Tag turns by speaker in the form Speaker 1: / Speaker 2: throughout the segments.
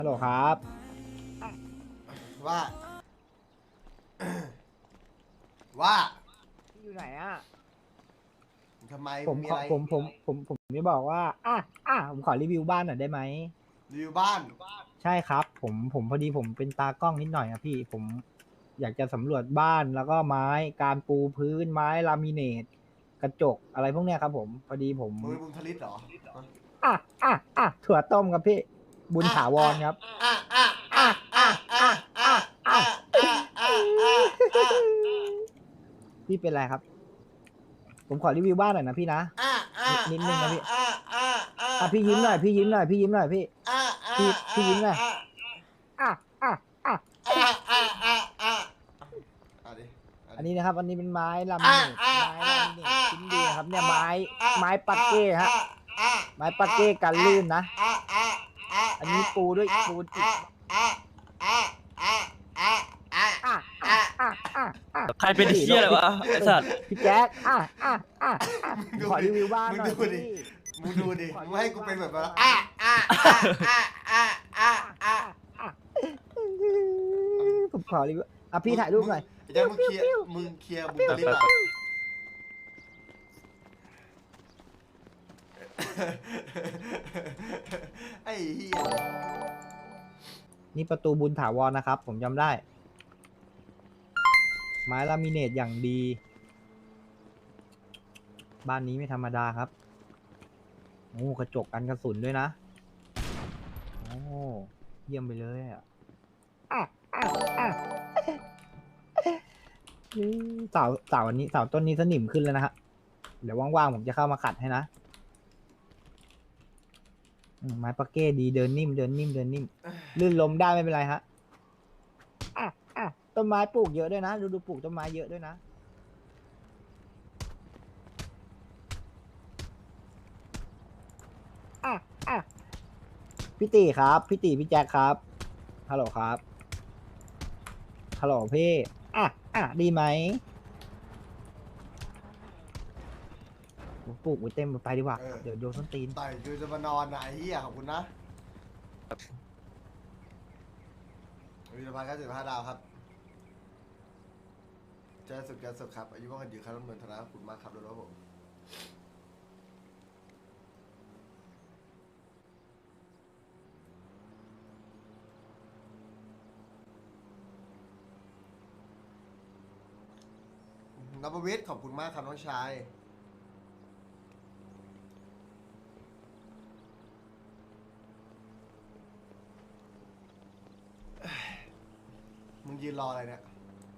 Speaker 1: ฮัลโหลครับ
Speaker 2: ว่าว่า
Speaker 1: อยู่ไหนอ่ะ
Speaker 2: ทำไม
Speaker 1: ผมขอ
Speaker 2: มีอะไร
Speaker 1: ผมจะบอกว่าผมขอรีวิวบ้านหน่อยได้ไหม
Speaker 2: รีวิวบ้าน
Speaker 1: ใช่ครับผมพอดีผมเป็นตากล้องนิดหน่อยครับพี่ผมอยากจะสำรวจบ้านแล้วก็ไม้การปูพื้นไม้ลามิเนตกระจกอะไรพวกเนี้ยครับผมพอดีผม
Speaker 2: มึงเป็นบุญทลิตเหรอ
Speaker 1: อ่ะถั่วต้มครับพี่บุญ
Speaker 2: อ่ะ
Speaker 1: ถาว
Speaker 2: อ่ะ
Speaker 1: รครับ
Speaker 2: อ่ะอ่ะอ่ะอ่ะอ่ะอ่ะอ่ะอ่ะอ่ะอ่ะอ่ะ
Speaker 1: พี่เป็นไรครับผมขอรีวิวบ้านหน่อยนะพี่นะ
Speaker 2: อ่ะอ่ะ
Speaker 1: นิดนึ
Speaker 2: อ่ะ
Speaker 1: งนะพี่
Speaker 2: อ่ะอ่ะอ่ะ
Speaker 1: พี่ยิ้มหน่อยพี่ยิ้มหน่อยพี่ยิ้มหน่อยพี่
Speaker 2: อ่ะอ่ะ
Speaker 1: พี่
Speaker 2: อ่ะ
Speaker 1: พี่ยิ้มหน่อย
Speaker 2: อ่ะ
Speaker 1: อ่ะอ่ะอ่ะ
Speaker 2: อ่ะอ่ะอ่ะอ่ะอ่ะดิอ่ะดิ
Speaker 1: อันนี้นะครับอันนี้เป็นไม้ลามิ
Speaker 2: อ่ะ
Speaker 1: เนต
Speaker 2: อ่ะ
Speaker 1: ไม้
Speaker 2: อ่ะ
Speaker 1: ลามิเนต
Speaker 2: อ่ะ
Speaker 1: ชิ้นดี
Speaker 2: อ่ะ
Speaker 1: นะครับเนี่ย
Speaker 2: อ่ะ
Speaker 1: ไม้ปัก
Speaker 2: อ่ะ
Speaker 1: เก้ฮะ
Speaker 2: อ่ะอ่ะ
Speaker 1: ไม้ปักเก้กันลื่นนะ
Speaker 2: อ่ะอ่ะอ่ะ
Speaker 1: อันนี้ปูด้วย
Speaker 2: อ่ะ
Speaker 1: ปูนอิฐ
Speaker 2: อ่ะอ่ะอ่ะอ่ะอ่ะอ่ะ
Speaker 1: อ่ะอ่ะ
Speaker 2: อ่ะ
Speaker 1: อ่ะอ่ะอ่ะ
Speaker 3: ใครเป็น
Speaker 1: พี่
Speaker 3: เชี่ยอะไรวะไอสัตว์
Speaker 1: พี่แจ๊คผม
Speaker 2: มึงดูดิ
Speaker 1: ขอรีวิวบ้าน
Speaker 2: มึง
Speaker 1: หน่อย
Speaker 2: ดูดิ
Speaker 1: พี่
Speaker 2: มึงดูดิ
Speaker 1: ขอ
Speaker 2: มึงให้กูเป็นแบบว่า
Speaker 1: รีวิวบ้านหน่อย
Speaker 2: อ่ะอ่ะอ่ะอ่ะอ่ะอ่ะอ่ะ
Speaker 1: อ่ะผมขอรีวิวพี่ถ่ายรูปหน่อย
Speaker 2: ไอ้แจ๊คมึงเคลียร์บุญทลิปอ่ะไอ้เหี้ย
Speaker 1: นี่ประตูบุญถาวรนะครับผมจำได้ไม้ลามิเนตอย่างดีบ้านนี้ไม่ธรรมดาครับโอ้กระจกกันกระสุนด้วยนะโอ้เยี่ยมไปเลยอ่ะเสาอันนี้เสาต้นนี้สนิมขึ้นแล้วนะฮะเดี๋ยวว่างๆผมจะเข้ามาขัดให้นะไม้ปักเก้ดีเดินนิ่มลื่นล้มได้ไม่เป็นไรฮะต้นไม้ปลูกเยอะด้วยนะดูปลูกต้นไม้เยอะด้วยนะอ่ะอ่ะพี่ตีครับพี่แจ็คครับฮัลโหลครับฮัลโหลพี่ดีไหมผมปลูกไว้เต็มไปดีกว่าเดี๋ยวโดนส้นตีน
Speaker 2: ต่อยกูจะมานอนนะไอ้เหี้ยขอบคุณนะวิรพันธ์95 ดาวครับเจอสุดกันสุดครับอายุว่างกันยืนครับน้ำเงินธนาขอบคุณมากครับด้วยผมนภวิทย์ขอบคุณมากครับน้องชายมึงยืนรออะไรเนี่ย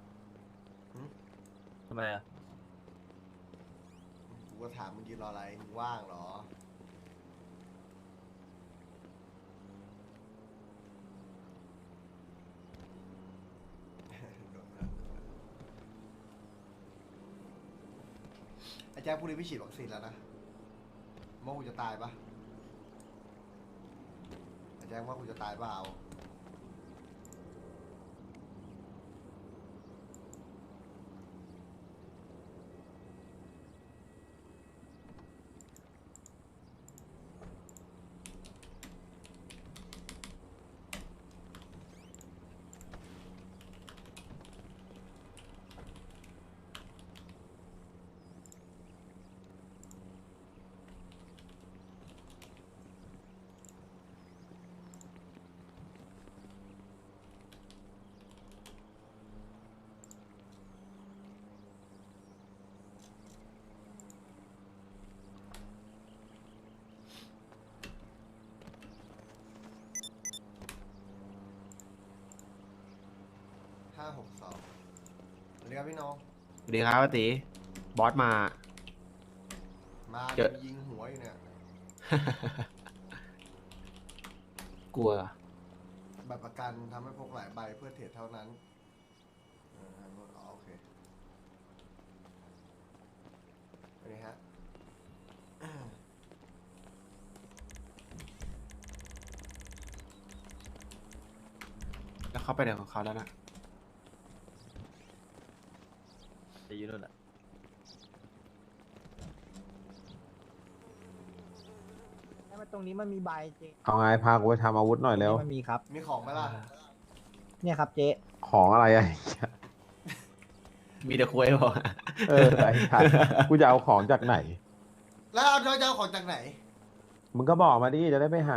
Speaker 3: ทำไมอ่ะ
Speaker 2: กูก็ถามมึงยืนรออะไรมึงว่างเหรอไอ้แจ๊คพรุ่งนี้พี่ฉีดวัคซีนแล้วนะว่ากูจะตายปะไอ้แจ๊คว่ากูจะตายเปล่า562สวัสดีครับพี่น้อง
Speaker 4: สวัสดีครับป้าตีบอสมา
Speaker 2: มา
Speaker 4: เจอ
Speaker 2: ยิงหัวอยู่เนี่ย
Speaker 4: กลัว
Speaker 2: บัตรประกันทำให้พกหลายใบเพื่อเทรดเท่านั้นโอเคเป็นไงฮะ
Speaker 4: แล้วเขาไปไหนของเขาแล้วนะ
Speaker 3: จะยืนนู่นแหละ
Speaker 1: ให้มาตรงนี้มันมีใบเจ๊
Speaker 5: เอาไงพากูไปทำอาวุธหน่อยเร็ว
Speaker 1: มันมีครับ
Speaker 2: มีของไหมล่ะ
Speaker 1: เนี่ยครับเจ๊
Speaker 5: ของอะไรอ่ะ
Speaker 4: มีแต่คุยบอก
Speaker 5: เออไอ้ชัดกูจะเอาของจากไหน
Speaker 2: แล้วเอาเจ้าของจากไหน
Speaker 5: มึงก็บอกมาดิจะได้ไปหา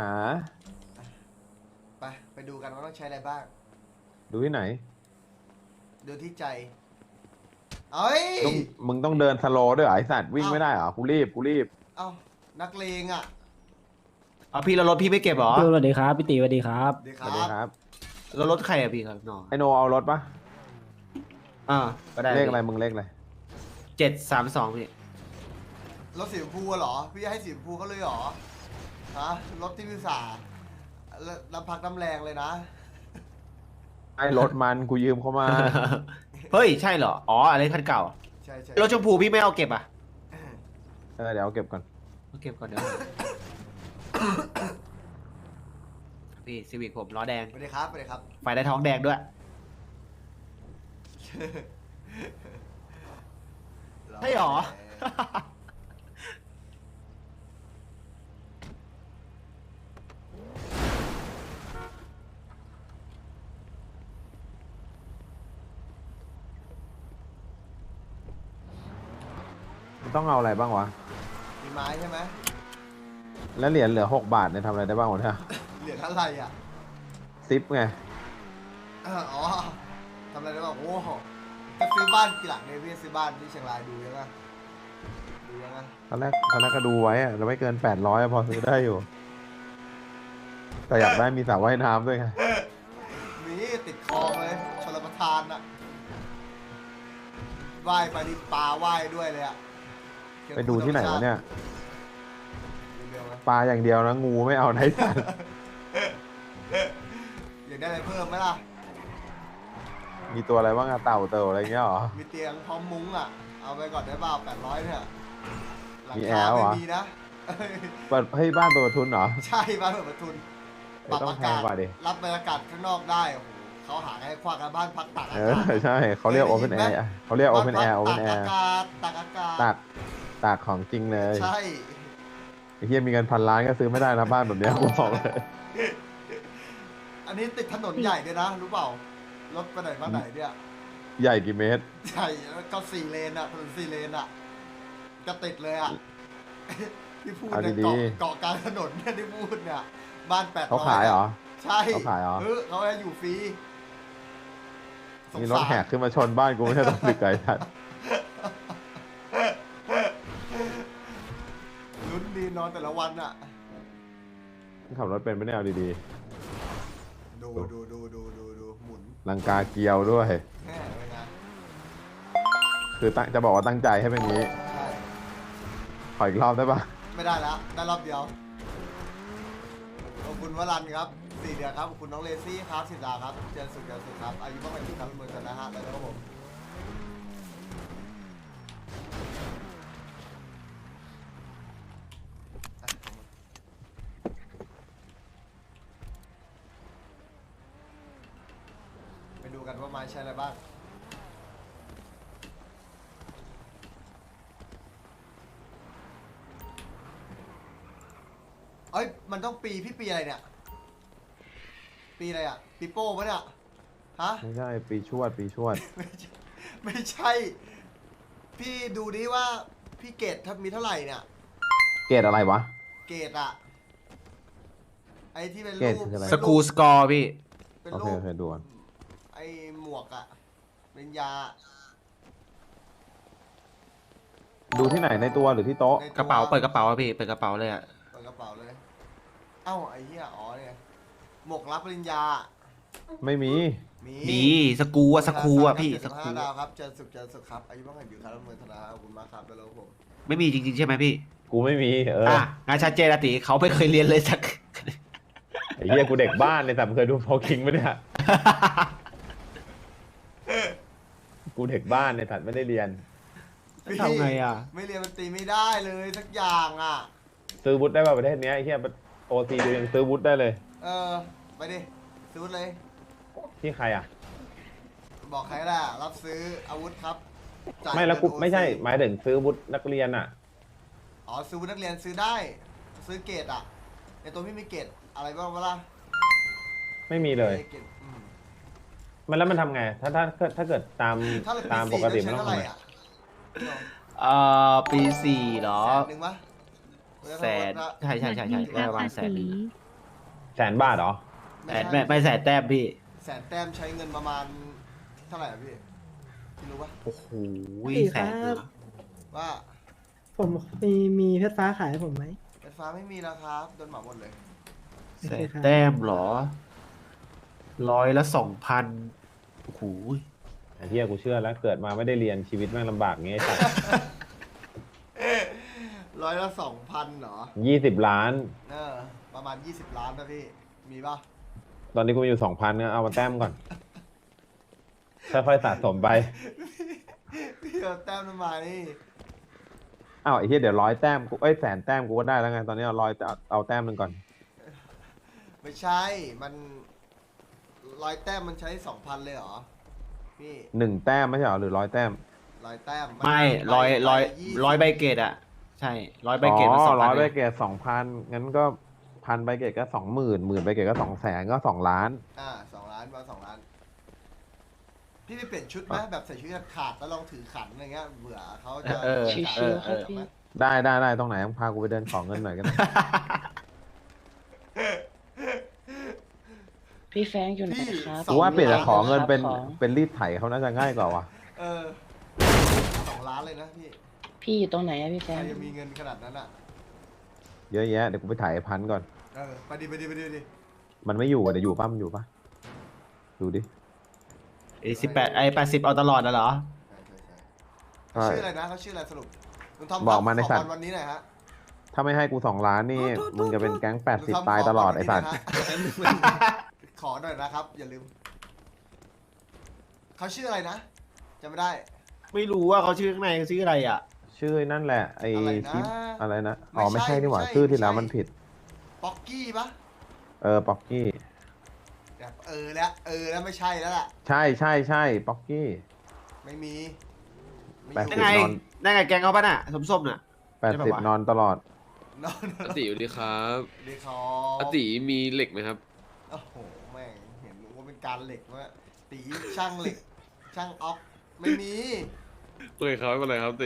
Speaker 2: ไปดูกันว่าต้องใช้อะไรบ้าง
Speaker 5: ดูที่ไหน
Speaker 2: ดูที่ใจ เอ้ย
Speaker 5: มึงต้องเดินสโลว์ด้วยเหรอไอสัตว์วิ่งไม่ได้เหรอกูรีบ
Speaker 2: เอ้านักเลงอ่ะ
Speaker 4: เอาพี่แล้วรถพี่ไม่เก็บเหรอ
Speaker 6: พี่สวัสดีครับพี่ตีสวัสดีครับ
Speaker 2: ดีค
Speaker 5: สวัสดี
Speaker 2: รับ
Speaker 5: ครับ
Speaker 4: แล้วรถใครอะพี่ครับน้อง
Speaker 5: ไอโนเอารถปะ
Speaker 4: ก็ได้
Speaker 5: เลขอะไรมึงเลขอะไร
Speaker 4: 732พี่
Speaker 2: รถสีชมพูอะเหรอ พี่จะให้สีชมพูเขาเลยเหรอ ฮะ รถที่พิสาน้ำพักน้ำแรงเลยนะ
Speaker 5: ไอรถมันกูยืมเขามา
Speaker 4: เฮ้ยใช่เหรออ๋ออะไรคันเก่า
Speaker 2: ใช่ใช่
Speaker 4: รถชมพูพี่ไม่เอาเก็บอ่ะ
Speaker 5: เดี๋ยวเอาเก็บก่อน
Speaker 4: เอาเก็บก่อนเดี๋ยว พี่ซีวิกผมล้อแดง
Speaker 2: สวัสดีครับสวัสดีครับ
Speaker 4: ไฟได้ท้องแดงด้วย ใช่เหรอ
Speaker 5: มันต้องเอาอะไรบ้างวะ
Speaker 2: มีไม้ใช่ไหม
Speaker 5: แล้วเหรียญเหลือ6 บาทเนี่ยทำอะไรได้บ้างวะเนี่ย
Speaker 2: เหลืออะไรอ่ะ
Speaker 5: ซิปไง
Speaker 2: อ๋อทำอะไรได้บ้างโอ้โหจะซื้อบ้านกี่หลังเนี่ยพี่ซื้อบ้านที่เชียงรายดูยังไงดูยังไง
Speaker 5: ตอนแรกก็ดูไว้อะเราไม่เกิน800อะพอซื้อได้อยู่ แต่อยากได้มีสระว่ายน้ำด้วยไง
Speaker 2: มีติดคลองเลยชลประทานอะว่ายไปดิปลาว่ายด้วยเลยอะ
Speaker 5: ไปดูที่ไหนวะเนี่ย
Speaker 2: เร็วๆนะ
Speaker 5: ปลาอย่างเดียวนะงูไม่เอาไหนสัตว์
Speaker 2: อยากได้อะไรเพิ่มไหมล่ะ
Speaker 5: มีตัวอะไรบ้างอะเต่าเต่าอะไรเงี้ยเหรอ
Speaker 2: มีเตียงพร้อมมุ้งอะเอาไปก่อนได้เปล่า800เนี่ยหลัง
Speaker 5: มีแอ
Speaker 2: คา
Speaker 5: ร์เหร
Speaker 2: ไม่
Speaker 5: อ
Speaker 2: มีนะ
Speaker 5: เปิดให้บ้านเปิดประทุนเหรอ
Speaker 2: ใช่บ้านเปิดประทุนปรับ
Speaker 5: ต้อง
Speaker 2: อา
Speaker 5: แพ
Speaker 2: กาง ศ
Speaker 5: กว่าดิ
Speaker 2: รับบรรยากาศข้างนอกได้โอ้โหเขาหาให้ควักกันบ้านพักตากอา
Speaker 5: เอก
Speaker 2: าศ
Speaker 5: อใช่เขาเรียก Open Air อะเขาเรียก Open
Speaker 2: บ้าน
Speaker 5: Air
Speaker 2: พัก
Speaker 5: Open
Speaker 2: ตาก
Speaker 5: Air
Speaker 2: อากาศตากอากาศ
Speaker 5: ตากของจริงเลย
Speaker 2: ใช่
Speaker 5: ไอ้เฮียมีเงิน1,000 ล้านก็ซื้อไม่ได้นะบ้านแบบเนี้ยกูบอกเลย
Speaker 2: อันนี้ติดถนนใหญ่ด้วยนะรู้เปล่ารถไปไหนมาไหนเนี่ย
Speaker 5: ใหญ่กี่เมตร
Speaker 2: ใช่แล้วก็4 เลนอะถนน4 เลนอะจะติดเลยอะที่พูด
Speaker 5: เอา
Speaker 2: เนี่ย
Speaker 5: ดี
Speaker 2: เกาะกลางถนนเนี่ยที่พูดเนี่ยบ้าน800
Speaker 5: เขาขายเหรอ
Speaker 2: ใช่
Speaker 5: เขาขายเหรอ
Speaker 2: เขาให้อยู่ฟรีสง
Speaker 5: มีรถ
Speaker 2: สาร
Speaker 5: แหกขึ้นมาชนบ้านกูไม่ใช่ต้องดึกไกลทัด
Speaker 2: ลุ้นดีนอนแต่ละวันอะ
Speaker 5: ขับรถเป็นไม่ได้เอาดี
Speaker 2: ดูหมุน
Speaker 5: ๆลังกาเกียวด้วย
Speaker 2: แม่เลยนะ
Speaker 5: คือจะบอกว่าตั้งใจให้เป็นอย่างนี้
Speaker 2: ใช่
Speaker 5: ขออีกรอบได้ปะ
Speaker 2: ไม่ได้แล้วได้รอบเดียวขอบคุณวรันครับ4 เดือนครับขอบคุณน้องเลซี่ครับ10 ดาวครับเจนสุดครับอายุเท่าไหร่ครับเมืองชนะฮะแล้วก็ผมไปดูกันว่าไม้ใช้อะไรบ้างเอ้ยมันต้องพี่ปีอะไรเนี่ยปีอะไรอ่ะปีโป้ปะเนี่ยฮะ
Speaker 5: ไม่ใช่ปีชวด
Speaker 2: ไม่ใช่ พี่ดูดิว่าพี่เกตมีเท่าไหร่เนี่ย
Speaker 5: เกรดอะไรวะ
Speaker 2: เกตอะไอที่เป็น
Speaker 5: เกรด
Speaker 2: รูป
Speaker 5: คืออะไร
Speaker 4: สกูสกอร์พี่
Speaker 2: เป็น
Speaker 5: โอ
Speaker 2: รู
Speaker 5: เค
Speaker 2: ป
Speaker 5: ดูก่อน
Speaker 2: ไอหมวกอะเป็นยา
Speaker 5: ดูที่ไหนในตัวหรือที่โต๊ะ
Speaker 2: ในตัว
Speaker 4: กระเป๋าเปิดกระเป๋าอะพี่เปิดกระเป๋าเลยอะ
Speaker 2: เปิดกระเป๋าเลย เอ้าไอเหี้ยอ๋อเนี่ยหมวกรับปริญญา
Speaker 5: ไม่มี
Speaker 4: มีสกูอะสกูอะพี่สกู
Speaker 2: 75 ดาวครับเจนสุขครับอายุบ้างกันอยู่ครับเมืองธนาขอบคุณมากครับแล้วผม
Speaker 4: ไม่มีจริงๆใช่ไหมพี่
Speaker 5: กูไม่มี
Speaker 4: งานชัดเจนอะติเขาไม่เคยเรียนเลยสัก
Speaker 5: ไอ้เหี้ยกูเด็กบ้านเลยแต่เคยดูพอคิงไหมเนี่ย กูเด็กบ้านเนี่ยถัดไม่ได้เรียน
Speaker 6: ทำไงอ่ะ
Speaker 2: ไม่เรียนมันตีไม่ได้เลยสักอย่างอ่ะ
Speaker 5: ซื้อวุฒิได้ป่ะประเทศเนี้ยไอ้เหี้ยโอซีดูยังซื้อวุฒิได้เลย
Speaker 2: ไปดิซื้อเลย
Speaker 5: ที่ใครอ่ะ
Speaker 2: บอกใครแหละรับซื้ออาวุธครับจ่าย
Speaker 5: ไม่แล้วกู
Speaker 2: เงิน OC
Speaker 5: ไม่ใช่หมายถึงซื้อวุฒินักเรียนอ่ะ
Speaker 2: อ๋อซื้ออาวุธนักเรียนซื้อได้ ซื้อเกรดอ่ะตัวพี่มีเกตอะไรบ้างวะล่ะ
Speaker 5: ไม่มีเลย
Speaker 2: เกต
Speaker 5: มันแล้วมันทำไง ถ้าเกิดตาม
Speaker 2: ถ้าเรา
Speaker 5: ตาม
Speaker 2: ปี
Speaker 5: ปกติ
Speaker 2: 4
Speaker 5: มัน
Speaker 2: ใช้
Speaker 5: ต้อง
Speaker 2: เท่าไห
Speaker 5: ทำ
Speaker 2: ร่
Speaker 5: ไง
Speaker 2: อ่ะ
Speaker 4: ปีสี่เหรอ
Speaker 2: 100,000ปะ
Speaker 4: แสนใช่ได้ประมาณแสนหนึ่ง
Speaker 5: 100,000 บาทเหรอ
Speaker 4: แสนไม่แสนแต้มพี่
Speaker 2: แสนแต้มใช้เงินประมาณเท่าไหร่อะพี่รู้ปะ
Speaker 4: โอ้โห
Speaker 7: พี่
Speaker 4: แสน
Speaker 7: ค
Speaker 4: เห
Speaker 7: รั
Speaker 4: ร
Speaker 7: บ
Speaker 4: อ
Speaker 2: ว่า
Speaker 7: ผมมีเพชรฟ้าขายให้ผมไหม
Speaker 2: ไฟฟ้าไม่มีแล้วครับโดนเหมาหมดเลย
Speaker 4: แสนแต้มเหรอ200 โอ้โห
Speaker 5: ไอ้เหี้ยกูเชื่อแล้วเกิดมาไม่ได้เรียนชีวิตแม่งลำบากอย่างเงี้ยไอ้สัตว์
Speaker 2: 200 เหรอ
Speaker 5: 20 ล้าน
Speaker 2: ประมาณ20 ล้านนะพี่มีปะ
Speaker 5: ตอนนี้กูมีอยู่ 2,000ก็เอามาแต้มก่อน ค่อยๆสะสมไป
Speaker 2: พี่เอาแต้มทำไม
Speaker 5: อ้าวไอ้เหี้ยเดี๋ยว100 แต้มกู100,000 แต้มกูก็ได้แล้วไง ตอนนี้เอาแต้มหนึ่งก่อน
Speaker 2: ไม่ใช่มัน100 แต้มมันใช้ 2,000 เลยเหรอพี่
Speaker 5: 1 แต้มไม่ใช่เหรอหรือ100 แต้ม
Speaker 2: 100 แต้ม
Speaker 4: ไม่
Speaker 2: ใบ
Speaker 4: ร้อยใบเกตอ่ะ ใช่100 ใบเกตมัน
Speaker 5: อ๋อ
Speaker 4: 2,000
Speaker 5: 100 ใบเกต 2,000 งั้นก็ 1,000 ใบเกตก็ 20,000 10,000 ใบเกตก็ 200,000 ก็ 2 ล้าน
Speaker 2: 2 ล้านประมาณ2 ล้าน พี่ไปเปลี่ยนชุดไหมแบบใส่ชุดขาดแล้วลองถือขันอะไรเงี้ยเบื่อเขาจะ
Speaker 7: ชิวๆครับพี่
Speaker 5: ได้ตรงไหนต้องพากูไปเดินของเงินหน่อยกัน
Speaker 7: พี่แฟรงค์อยู่ไหนครับ
Speaker 5: กูว่าเปลี่ยนจากขอเงินเป็น
Speaker 7: ของ
Speaker 5: เป็นรีดไถเขาน่าจะง่ายกว่าว่ะ
Speaker 2: 2 ล้านเลยนะพี่
Speaker 7: พี่อยู่ตรงไหนอะพี่แฟ
Speaker 2: ใค
Speaker 7: ร
Speaker 2: รง
Speaker 7: ค์
Speaker 2: จะมีเงินขนาดนั้นอ่ะ
Speaker 5: เยอะแยะเดี๋ยวกูไปถ่ายพันก่อน
Speaker 2: ไปดิ
Speaker 5: มันไม่อยู่อ่ะเดี๋ยวอยู่ป่ะมันอยู่ป่ะดูดิ
Speaker 4: 80เอาตลอดนะเหรอ
Speaker 2: เขาชื่ออะไรนะเขาชื่ออะไรสรุปลุงทอม
Speaker 5: บอกมาในสัตว์
Speaker 2: ขอบอลวันนี้หน่อยฮะ
Speaker 5: ถ้าไม่ให้กู2 ล้านนี่มึงจะเป็นแก๊ง
Speaker 2: ลุงทอม
Speaker 5: 80 ตายตลอดไอ้สัตว์
Speaker 2: ขอหน่อยนะครับ อย่าลืมเขาชื่ออะไรนะจำไม่ได้
Speaker 4: ไม่รู้ว่าเขาชื่อข้างในเขาชื่ออะไรอ่ะ
Speaker 5: ชื่อนั่นแหละไอ้
Speaker 2: อะไรนะ
Speaker 5: ชิปอะไรนะ
Speaker 2: ไม่
Speaker 5: อ๋อไม่
Speaker 2: ใช่
Speaker 5: ใช่นี่หว่า
Speaker 2: ไม่ใช่
Speaker 5: ชื่อที่แล้ว
Speaker 2: ไม่ใช่
Speaker 5: มันผิด
Speaker 2: ป๊อกกี้ปะ
Speaker 5: ป๊อกกี้
Speaker 2: แบบแล้วไม่ใช่แล้วล่ะ
Speaker 5: ใช่ป๊อกกี้
Speaker 2: ไม่มีไม่
Speaker 5: แปด
Speaker 2: อ
Speaker 5: สิ
Speaker 2: ยู่
Speaker 5: บ
Speaker 4: นั่นไงนั่นไงแกงเขาป่ะน่ะส้มๆน่ะ ใช่ปะวะ
Speaker 5: 80 นอนตลอด
Speaker 2: นอน
Speaker 8: อติสวัสดีครับ
Speaker 2: ดีคอ
Speaker 8: อติมีเหล็กไหมครับ
Speaker 2: โอ้โหแม่งเห็นว่าเป็นการเหล็กว่าตีช่างเหล็ก ช่างออกไม่มี
Speaker 8: โอเคครับไม่เป็นไรครับติ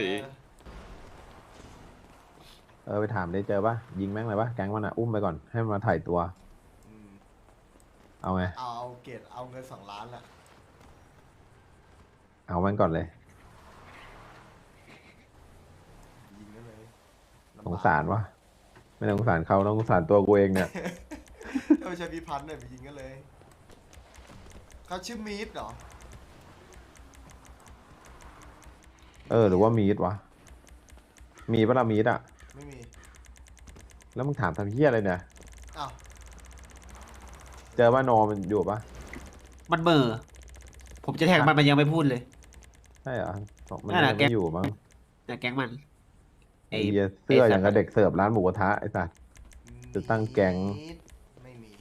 Speaker 5: ไปถามได้เจอป่ะยิงแม่งเลยป่ะแก๊งมันอ่ะอุ้มไปก่อนให้มันมาถ่ายตัว
Speaker 2: อืม
Speaker 5: เอาไง
Speaker 2: เอาเกรดเอาเงิน2 ล้านละ
Speaker 5: เอามันก่อนเลย
Speaker 2: ยิงได้เลย
Speaker 5: สงสารวะไม่ต้องสงสารเขาต้องสงสารตัวกูเองเนี่ย
Speaker 2: ถ้าไม่ใช่พี่พันธ์เนี่ยไปยิงกันเลยเขาชื่อมีดเหรอ
Speaker 5: หรือว่ามีดวะมีปะล่ะมีดอ่ะ
Speaker 2: ไม่มี
Speaker 5: แล้วมึงถามทำเหี้ยอะไรเนี่ย
Speaker 2: อ้าว
Speaker 5: เจอว่าโนมันอยู่ปะ
Speaker 4: มันเบอร์ผมจะแท็กมันยังไม่พูดเลย
Speaker 5: ใช่เหรอบอกมัน
Speaker 4: นั่นแหละ
Speaker 5: ยังไม่อยู่มั้ง
Speaker 4: แต่แก๊งมัน
Speaker 5: ไอ้เหี้ยเสื้ออย่างกับเด็กเสิร์ฟร้านหมูกระทะไอ้สัส จะตั้งแก๊ง
Speaker 2: มีดไม่มี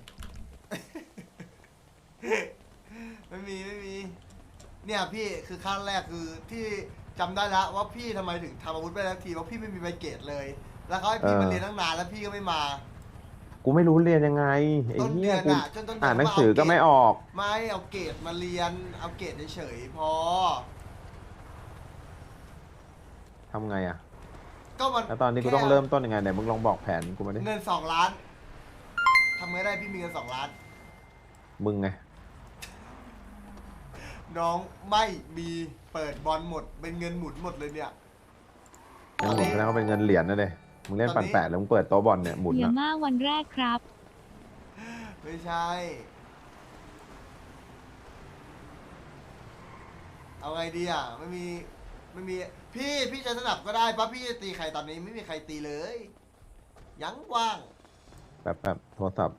Speaker 2: ไม่มีเนี่ยพี่คือขั้นแรกคือที่จำได้แล้วว่าพี่ทำไมถึงทำอาวุธไม่ได้สักทีเพราะพี่ไม่มีใบเกรดเลย แล้วเขาให้พี่มาเรียนตั้งนานแล้วพี่ก็ไม่มา
Speaker 5: กูไม่รู้เรียนยังไงไอ้
Speaker 2: ต้น
Speaker 5: เหี้
Speaker 2: เดื
Speaker 5: ย
Speaker 2: อน
Speaker 5: กู
Speaker 2: อ่ะจนต้นเดื
Speaker 5: อ่าน
Speaker 2: น
Speaker 5: หนังสือก็ไม่ออก
Speaker 2: ไม่เอาเกรดมาเรียนเอาเกรดเฉยๆพอ
Speaker 5: ทำไงอ่ะ
Speaker 2: ก็มัน
Speaker 5: แล้วตอนนี้กูต้องเริ่มต้นยังไงไหนมึงลองบอกแผนกูมาดิ
Speaker 2: เงิน2 ล้านทำไงได้พี่มีเงิน2 ล้าน
Speaker 5: มึงไง
Speaker 2: น้องไม่มีเปิดบอลหมดเป็นเงินหมุนหมดเลยเนี่ย
Speaker 5: เงินหมุนแสดงว่าเป็นเงินเหรียญนะเด้มึงเล่นปั่นแปะแล้วมึงเปิดโต๊ะบอลเนี่ยหมุน
Speaker 9: เดี๋ยว
Speaker 5: นะ
Speaker 9: มาวันแรกครับ
Speaker 2: ไม่ใช่ เอาไงดีอ่ะไม่มีพี่จะสนับก็ได้ปะพี่จะตีใครตอนนี้ไม่มีใครตีเลย ยังว่าง
Speaker 5: แบบโทรศัพท์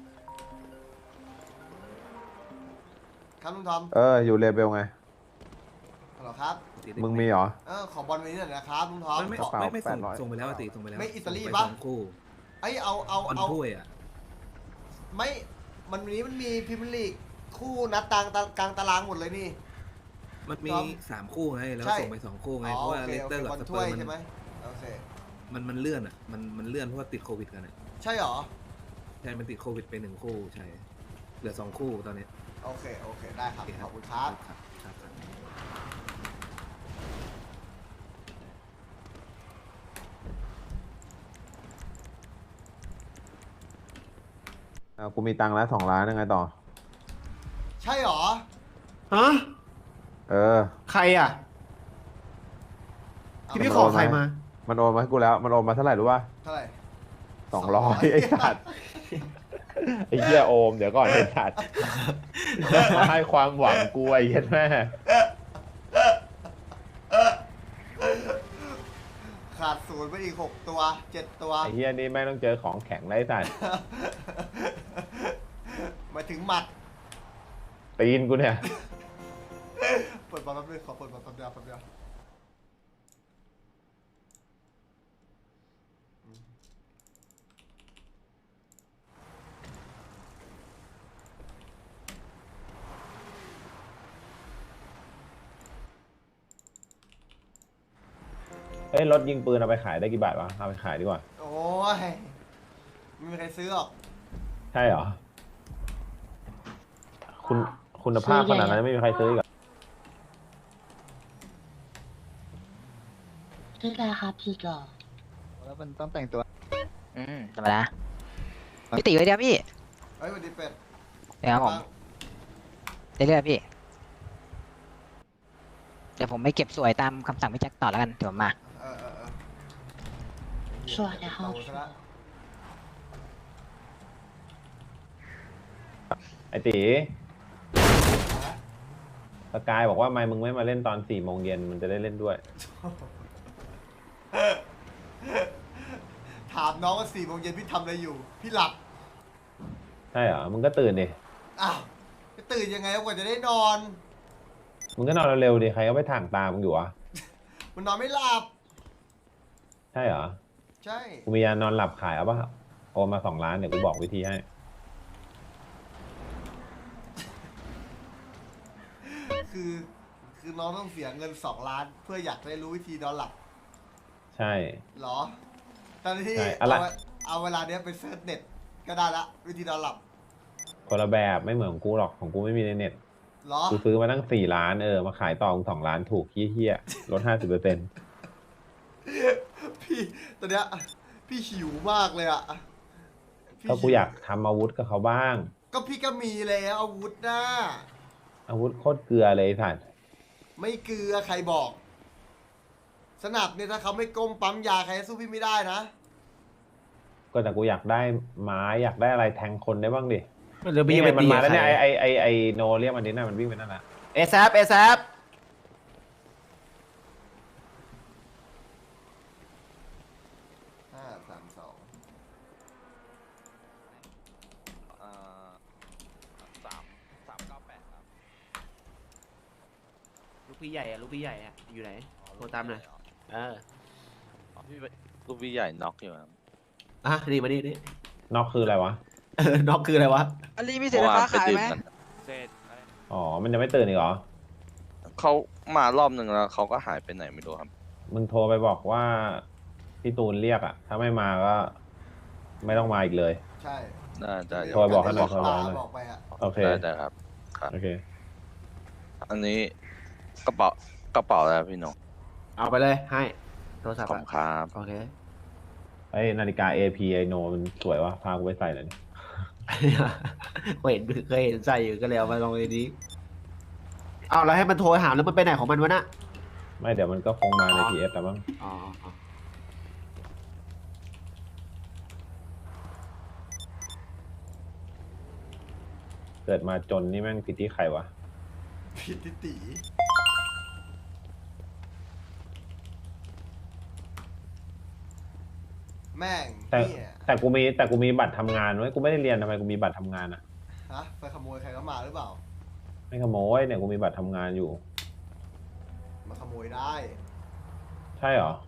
Speaker 2: ครับลุงทอม
Speaker 5: อยู่เลเบลไง
Speaker 2: ฮัลโหลครับ
Speaker 5: มึงมีเหรอ
Speaker 2: ขอบอลวันนี้หน่อยนะครับลุงทอม
Speaker 6: ไม่
Speaker 2: ขอ
Speaker 5: ไม่ส่ง
Speaker 6: ส่งไปแล้วติส่งไปแล้ว
Speaker 2: ไม่อิตาลี
Speaker 6: ส่ง
Speaker 2: ปะ
Speaker 6: ไป2 คู่
Speaker 2: ไอ้ยเอา
Speaker 6: บอลถ้วยอ่ะ
Speaker 2: ไม่มันวันนี้มันมีพรีเมียร์ลีกคู่นัดกลางตารางหมดเลยนี่
Speaker 6: มันมี
Speaker 2: ครับ
Speaker 6: 3 คู่ไงแล้ว
Speaker 2: ใช่
Speaker 6: ส่งไป2 คู่ไง
Speaker 2: อ๋อ
Speaker 6: เพราะว่า
Speaker 2: โอเค
Speaker 6: เลสเตอร์
Speaker 2: โอ
Speaker 6: กับ
Speaker 2: เค
Speaker 6: ส
Speaker 2: บอล
Speaker 6: เป
Speaker 2: ถ้
Speaker 6: อ
Speaker 2: วย
Speaker 6: ร์
Speaker 2: ใช่ไหมโอเค
Speaker 6: มันเลื่อนอ่ะมันเลื่อนเพราะว่าติดโควิดกันอ่ะ
Speaker 2: ใช่เหรอ
Speaker 6: ช่มันติดโควิดไปหนึ่งคู่ใช่ เหลือ2 คู่ตอนนี้
Speaker 2: โอเคโอเคได้ครับ
Speaker 6: โอเค
Speaker 2: ขอบคุณครับ
Speaker 6: ครับครับครับ
Speaker 5: กูมีตังค์แล้ว2 ล้านยังไงต่อ
Speaker 2: ใช่หรอ
Speaker 4: ฮะ
Speaker 5: เออ
Speaker 4: ใครอ่ะ ที่พี่ขอใครมา
Speaker 5: มันโอนมาให้กูแล้ว มันโอนมาเท่าไหร่รู้ป่ะ
Speaker 2: เท่าไหร่
Speaker 5: 200ไอ้สัตว์ไอ้เหี้ยโอมเดี๋ยวก่อนไอ้สัตว์มาให้ความหวังกูไอ้เหี้ยแม่
Speaker 2: ขาดศูนย์ไปอีก6 ตัว 7 ตัว
Speaker 5: ไอ้เหี้ยนี่แม่งต้องเจอของแข็งไร้สัตว์
Speaker 2: มาถึงหมัด
Speaker 5: ตีนกูเนี่ย
Speaker 2: เปิดบอลแป๊บนึงขอเปิดบอลแป๊บเดียวแป๊บเดียว
Speaker 5: เฮ้ยรถยิงปืนเอาไปขายได้กี่บาทวะเอาไปขายดีกว่า
Speaker 2: โอ้ยไม่มีใครซื้อหรอก
Speaker 5: ใช่เหรอ คุณภาพขนาดนั้นไม่มีใครซื้ออีกเหรอ
Speaker 7: ชื่ออะไรครับพี่ก่อ
Speaker 1: แล้วมันต้องแต่งตัว
Speaker 9: ธรรมดาพี่ติไว้เดียวพี่
Speaker 2: เฮ้ยสวัสดีเป็ด
Speaker 9: เดี๋ยวครับผม
Speaker 2: บ้าง
Speaker 9: เรื่อยๆพี่ เดี๋ยวผมไม่เก็บสวยตามคำสั่งพี่แจ็คต่อแล้วกันเดี๋ยวผมมา
Speaker 2: เออ
Speaker 7: สวัสดีครับ
Speaker 2: โตซะละ
Speaker 5: ไอ้ตีสกายบอกว่าไม่มึงไม่มาเล่นตอน4 โมงเย็นมันจะได้เล่นด้วย
Speaker 2: ถามน้องว่า4 โมงเย็นพี่ทำอะไรอยู่ พี่หลับ
Speaker 5: ใช่เหรอ มึงก็ตื่นดิ
Speaker 2: อ้าวจะตื่นยังไงกว่าจะได้นอน
Speaker 5: มึงก็นอนเร็วๆดิ ใครก็ไปถ่างตามึงอยู่วะ
Speaker 2: มันนอนไม่หลับ
Speaker 5: ใช่เหรอ
Speaker 2: ใช่
Speaker 5: กูมียานอนหลับขายเอาป่ะโอนมา2 ล้านเดี๋ยวกูบอกวิธีให้
Speaker 2: คือน้องต้องเสียเงิน2 ล้าน เพื่ออยากได้รู้วิธีนอนหลับ
Speaker 5: ใช่
Speaker 2: เหรอ ตอนที่
Speaker 5: ใช่อะไร
Speaker 2: เอาเวลาเนี้ยไปเซิร์ชเน็ตก็ได้ละวิธีนอนหลับ
Speaker 5: คนละแบบไม่เหมือนของกูหรอกของกูไม่มีในเน็ต
Speaker 2: เหรอ
Speaker 5: กูซื้อมาตั้ง4 ล้านมาขายต่อมึง2 ล้านถูกเฮี้ยๆลด 50%
Speaker 2: พี่ตอนเนี้ยพี่หิวมากเลยอะพี่
Speaker 5: ก็กู
Speaker 2: หิว
Speaker 5: อยากทำอาวุธกับเขาบ้าง
Speaker 2: ก็พี่ก็มีแล้วอาวุธนะ
Speaker 5: อาวุธโคตรเกลือเลยไอ้สัตว์
Speaker 2: ไม่เกลือใครบอก สนับเนี่ยถ้าเขาไม่ก้มปั๊มยาใครจะสู้พี่ไม่ได้นะ
Speaker 5: ก็แต่กูอยากได้ไม้อยากได้อะไรแทงคนได้บ้างดิ
Speaker 4: มันจะมี
Speaker 5: นี่
Speaker 4: ไป
Speaker 5: ไงมัน
Speaker 4: ตี
Speaker 5: มาแล้วเนี่ย
Speaker 4: ใคร
Speaker 5: ไอโนเรียกมันดิน่ามันวิ่งไปนั่นแหละ
Speaker 4: เอซเอซ
Speaker 2: 532
Speaker 3: 398ครับ
Speaker 4: ลูกพี่ใหญ่อะลูกพี่ใหญ่อะอยู่ไหนโทรตามหน่อยเออ
Speaker 3: พี่ลูกพี่ใหญ่น็อกอยู่ครับ
Speaker 4: อ่ะนี่มานี่นี่
Speaker 5: น็อกคืออะไรวะ
Speaker 4: น็อกคืออะไรวะ
Speaker 9: อันนี้มีเศษไฟฟ้าขายไหม
Speaker 3: เสร็จ
Speaker 5: อ๋อมันจะไม่ตื่นอีกเหรอ
Speaker 3: เขามารอบหนึ่งแล้วเขาก็หายไปไหนไม่รู้ครับ
Speaker 5: มึงโทรไปบอกว่าพี่ตูนเรียกอ่ะ ถ้าไม่มาก็ไม่ต้องมาอีกเลย
Speaker 2: ใช่
Speaker 3: ได้
Speaker 5: โทรบอกให้หน่อยโทรบอกให้หน่อย
Speaker 2: บอกไปอะ
Speaker 5: โอเค
Speaker 3: ได้ครับ
Speaker 5: โอเค
Speaker 3: อันนี้กระเป๋าแล้วพี่น้อง
Speaker 4: เอาไปเลยให้โทรศัพท์
Speaker 3: ขอบ
Speaker 4: อะ
Speaker 3: คุณครับ
Speaker 4: โอเค
Speaker 5: ไอ้นาฬิกา AP ไอโนมันสวยวะพากูไปใส่หน่อยดิ
Speaker 4: เคยเห็นใส่อยู่ก็เลยเอามาลองในนี้เอาแล้วให้มันโทรหาแล้วมันไปไหนของมันวะน่ะ
Speaker 5: ไม่เดี๋ยวมันก็คงมาใน PS แล้วมั้ง
Speaker 4: อ๋อ
Speaker 5: เกิดมาจนนี่แม่งผิดที่ใครวะ
Speaker 2: ผิดทิติแม่ง
Speaker 5: แต่
Speaker 2: เนี่ย
Speaker 5: แต่กูมีบัตรทำงานไว้กูไม่ได้เรียนทำไมกูมีบัตรทำงานอ่ะ
Speaker 2: ฮะไปขโมยใครเข้ามาหรือเปล่า
Speaker 5: ไม่ขโมยเนี่ยกูมีบัตรทำงานอยู่
Speaker 2: มาขโมยได้
Speaker 5: ใช่เหรอ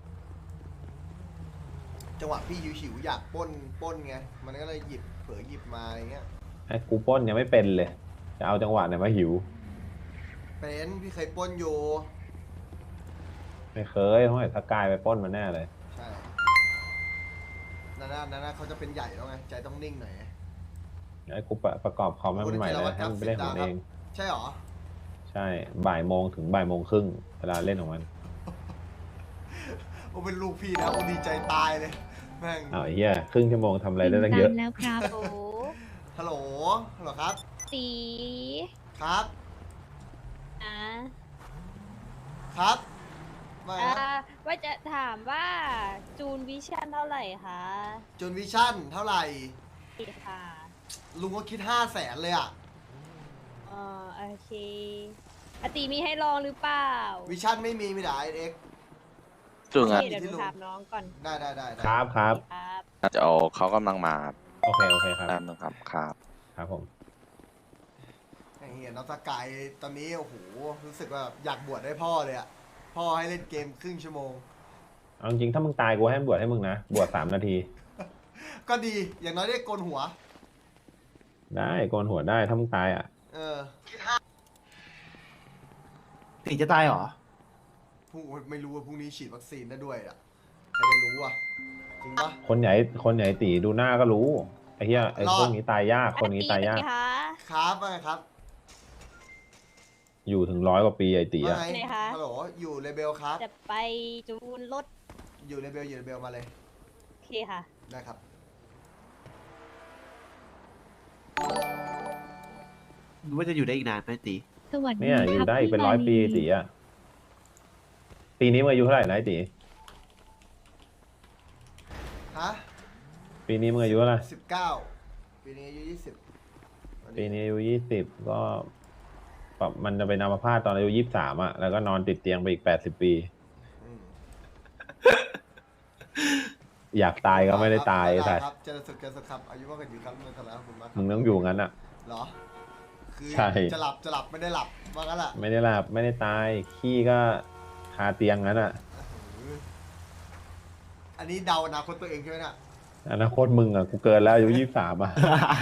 Speaker 2: จังหวะพี่หิวๆอยากปล้นไง มันก็เลยเผลอหยิบมาอย่างเงี้ย
Speaker 5: ไอ้กูปล้นยังไม่เป็นเลย จะเอาจังหวะไหนมาหิว
Speaker 2: เป็นพี่เคยปล้นอยู่
Speaker 5: ไม่เคยเพราะไอ้สกายไปปล้นมาแน่เลย
Speaker 2: ใช่นั่นน่ะเขาจะเป็นใหญ่แล้วไง ใจต้องนิ่งหน่อย
Speaker 5: ไอ้กูประกอบคอมให้มันใหม่เลยให้มันไปเล่นของมันเอง
Speaker 2: ใช่หรอ
Speaker 5: ใช่บ่ายโมงถึงบ่ายโมงครึ่งเวลาเล่นของมัน
Speaker 2: โอ้เป็นลูกพี่นะโอ้ดีใจตายเลยแม่ง
Speaker 5: อ้าวไอ้เหี้ยครึ่งชั่วโมงทำอะไรได้ตั้งเยอะ
Speaker 10: แล้วครับโอ้
Speaker 2: ฮัลโหลฮัลโหลครับ
Speaker 10: ตี
Speaker 2: ครับ
Speaker 10: อ่ะ
Speaker 2: ครับว่าไง
Speaker 10: อ่า
Speaker 2: นะ
Speaker 10: ว่าจะถามว่าจูนวิชั่นเท่าไหร่คะ
Speaker 2: จูนวิชั่นเท่าไหร่
Speaker 10: ค่ะ
Speaker 2: ลุงก็คิด500,000เลยอ่ะ
Speaker 10: อ๋อโอเคอาตีมีให้ลองหรือเปล่า
Speaker 2: วิชั่นไม่มีแต่เอ็ก
Speaker 3: จุง
Speaker 10: โอ
Speaker 3: อ่ะ
Speaker 10: เคเดี๋ยวหนูถามน้องก่อน
Speaker 2: ได้
Speaker 5: ครับครับ
Speaker 10: ครับ
Speaker 3: อาจจะเอาเขากำลังมาครับ
Speaker 5: โอเคโอเคครับ
Speaker 3: แป๊บนึงครับครับ
Speaker 5: ครับผม
Speaker 2: ไอ้เหี้ยน้องสกายตอนนี้โอ้โหรู้สึกว่าอยากบวชให้พ่อเลยอ่ะพ่อให้เล่นเกมครึ่งชั่วโมง
Speaker 5: เอาจริงๆถ้ามึงตายกูให้บวชให้มึงนะบวช3 นาที
Speaker 2: ก็ดีอย่างน้อยได้โกนหัว
Speaker 5: ได้โกนหัวได้ถ้ามึงตายอ่ะ
Speaker 2: เออ
Speaker 4: ตีจะตายเหรอ
Speaker 2: พรุ่งไม่รู้ว่าพรุ่งนี้ฉีดวัคซีนได้ด้วยอ่ะใครจะรู้อ่ะจริงปะ
Speaker 5: คนใหญ่ตีดูหน้าก็รู้ไอ้เหี้ยไอ้
Speaker 2: รอด
Speaker 5: พวกนี้ตายยากคนนี้ตายยาก
Speaker 10: อาตีเป็นไงคะ
Speaker 2: ครับว่าไงครับ
Speaker 5: อยู่ถึง100 กว่าปีไอ้ตี
Speaker 2: ว่า
Speaker 5: อ่ะ
Speaker 2: ไง
Speaker 10: ไหนคะ
Speaker 2: ฮัลโหลอยู่เลเบลครับ
Speaker 10: จะไปจูนรถ
Speaker 2: อยู่เลเบลมาเลย
Speaker 10: โอเคค่ะ
Speaker 2: ได้ครับ
Speaker 4: รู้ว่าจะอยู่ได้อีกนานไหมตี
Speaker 10: สวัสดี
Speaker 5: เนี่ยอยู่ได้อีกเป็น100 ปีไอ้ตีอ่ะปีนี้มึงอายุเท่าไหร่นะไอ้ตี
Speaker 2: ฮะ
Speaker 5: ปีนี้มึงอายุเท่าไหร่
Speaker 2: 19ปีนี้อายุ20
Speaker 5: ปีนี้อายุ20ก็แบบมันจะเป็นอัมพาตตอนอายุ23อ่ะแล้วก็นอนติดเตียงไปอีก80 ปี
Speaker 2: อืม
Speaker 5: อยากตายก็ไม่ได้ตาย
Speaker 2: ได้
Speaker 5: แต่
Speaker 2: ครับเจริญสุขครับอายุมากกว่าอยู่ครับเมื่อไหร่ครับคุณมากค
Speaker 5: มึ
Speaker 2: รับ
Speaker 5: งต้องอยู่งั้นอ่ะ
Speaker 2: เหรอคือ
Speaker 5: ใช่
Speaker 2: จะหลับไม่ได้หลับว่างั้นแหละ
Speaker 5: ไม่ได้หลับไม่ได้ตายขี้ก็คาเตียงงั้นอ่ะ
Speaker 2: อันนี้เดาอนาคตตัวเองใช่ไหมเนี่ย
Speaker 5: อนาคตมึงอ่ะกูเกินแล้วอายุ23อ่ะ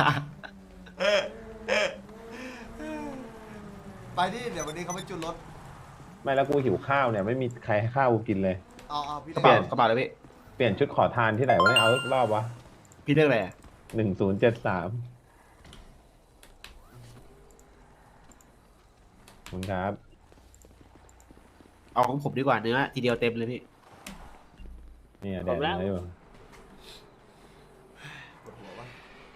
Speaker 2: ไปที่เดี๋ยววันนี้เขาไปจุดรถ
Speaker 5: ไม่แล้วกูหิวข้าวเนี่ยไม่มีใครให้ข้าวกูกินเลย
Speaker 2: เอาพี่
Speaker 4: กระ
Speaker 2: เล่
Speaker 4: เป๋าน กระเป๋าเลยพี่
Speaker 5: เปลี่ยนชุดขอทานที่ไหนวะเนี่ยเอารอบวะ
Speaker 4: พี่เลือกอะไรอะ
Speaker 5: 1073ขอบคุณครับ
Speaker 4: เอาของผมดีกว่าเนื้อทีเดียวเต็มเลยพี่
Speaker 5: เนี่ยแดดอะไรอยู่
Speaker 2: ปวดหัววะ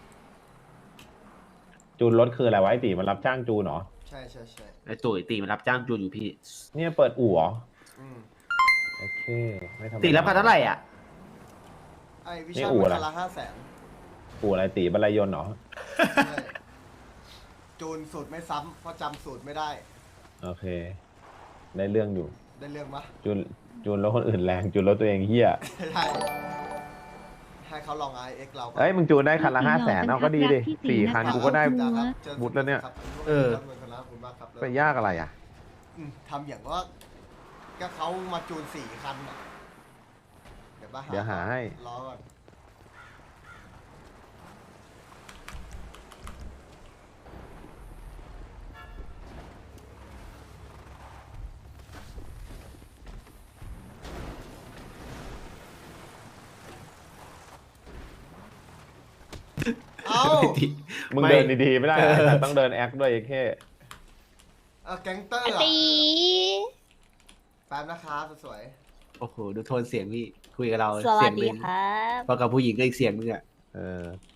Speaker 5: จูนรถคืออะไรวะไอตีมันรับจ้างจูนเหรอ
Speaker 2: ใช่
Speaker 4: ไอ้ตุ๋ยตีมันรับจ้างจูนอยู่พี่
Speaker 5: เนี่ยเปิดอู่เหรอ
Speaker 2: อืม
Speaker 5: โอเคไม่ทำ
Speaker 4: ตีรับพันเท่าไหร่อ่ะ
Speaker 2: ไอ้วิ
Speaker 5: นี่
Speaker 2: ชา
Speaker 5: อู่
Speaker 2: มัน
Speaker 5: อะไร
Speaker 2: คันละ500,000
Speaker 5: อู่อะไรตีบรรลัยยนต์เหรอ
Speaker 2: ใช่จูนสูตรไม่ซ้ำเพราะจำสูตรไม่ได้
Speaker 5: โอเค ได้เรื่องอยู่
Speaker 2: ได้เรื่องปะ
Speaker 5: จูนรถคนอื่นแรงจูนรถตัวเองเฮีย
Speaker 2: ใช่ให้เขาลอง IX เราก่อน
Speaker 5: เอ้ยมึงจูนได้คันละ500,000เอาก็ดีดิ4 คันกูก็ได้
Speaker 2: ครับ
Speaker 5: บุตรแล้วเนี่ย
Speaker 2: ครับ
Speaker 4: เออ
Speaker 2: ขอบคุณมากครับ
Speaker 5: ไปยากอะไรอ่ะ
Speaker 2: ทำอย่างว่าก็เขามาจูน4 คันน่ะเดี๋ยว
Speaker 5: หาให้
Speaker 2: รอก่อนเอา
Speaker 5: มึง
Speaker 4: ไม่
Speaker 5: เดินดีๆไม่ได้อะแต่ต้องเดินแอคด้วยไอ้แค่
Speaker 2: เอาแก๊งเตอร์
Speaker 10: อา
Speaker 2: อะ
Speaker 10: ตี
Speaker 2: แป๊บนะครับสวย
Speaker 4: โอ้โหดูโทนเสียงพี่คุยกับเรา
Speaker 10: สวั
Speaker 4: เสี
Speaker 10: ส
Speaker 4: ยงห
Speaker 10: ดี
Speaker 4: นึ่ง
Speaker 10: ครับ
Speaker 4: พอกับผู้หญิงก็อีกเสียงหนึงอ่ะ
Speaker 5: เออ